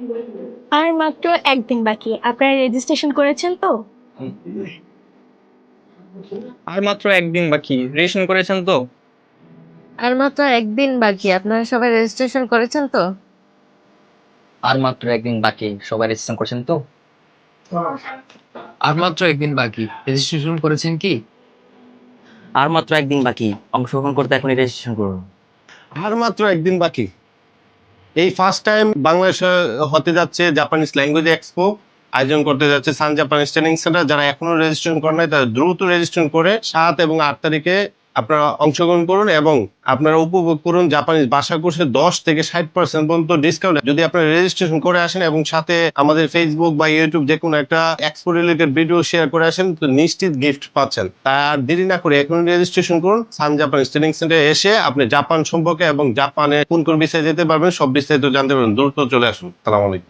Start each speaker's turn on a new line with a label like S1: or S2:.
S1: আর মাত্র একদিন বাকি, আপনারা রেজিস্ট্রেশন করেছেন তো?
S2: আর মাত্র একদিন বাকি, রেজিস্ট্রেশন করেছেন তো?
S3: আর মাত্র একদিন বাকি, আপনারা সবাই রেজিস্ট্রেশন করেছেন তো?
S2: আর মাত্র একদিন বাকি, সবাই রেজিস্ট্রেশন করেছেন তো?
S4: আর মাত্র একদিন বাকি, রেজিস্ট্রেশন করেছেন কি?
S5: আর মাত্র একদিন বাকি, অংশগ্রহণ করতে এখনই রেজিস্ট্রেশন করুন।
S6: আর মাত্র একদিন বাকি। এই ফার্স্ট টাইম বাংলাদেশে হতে যাচ্ছে জাপানিজ ল্যাঙ্গুয়েজ এক্সপো, আয়োজন করতে যাচ্ছে সান জাপানিজ ট্রেনিং সেন্টার। যারা এখনো রেজিস্ট্রেশন করেন নাই তারা দ্রুত রেজিস্ট্রেশন করে 7 এবং 8 তারিখে আপনারা অংশগ্রহণ করুন এবং আপনারা উপভোগ করুন জাপানিজ ভাষা কোর্সে 10 থেকে 60% পর্যন্ত ডিসকাউন্ট যদি আপনারা রেজিস্ট্রেশন করে আসেন এবং সাথে আমাদের ফেসবুক বা ইউটিউব যে কোনো একটা এক্সপো রিলেটেড ভিডিও শেয়ার করে আসেন, তো নিশ্চিত গিফট পাচ্ছেন। তার দেরি না করে এখন রেজিস্ট্রেশন করুন। সান জাপানিজ ট্রেনিং সেন্টারে এসে আপনি জাপান সম্পর্কে এবং জাপানে কোন কোন বিষয়ে যেতে পারবেন সব বিস্তারিত জানতে পারবেন। দ্রুত চলে আসুন। আসসালামু আলাইকুম।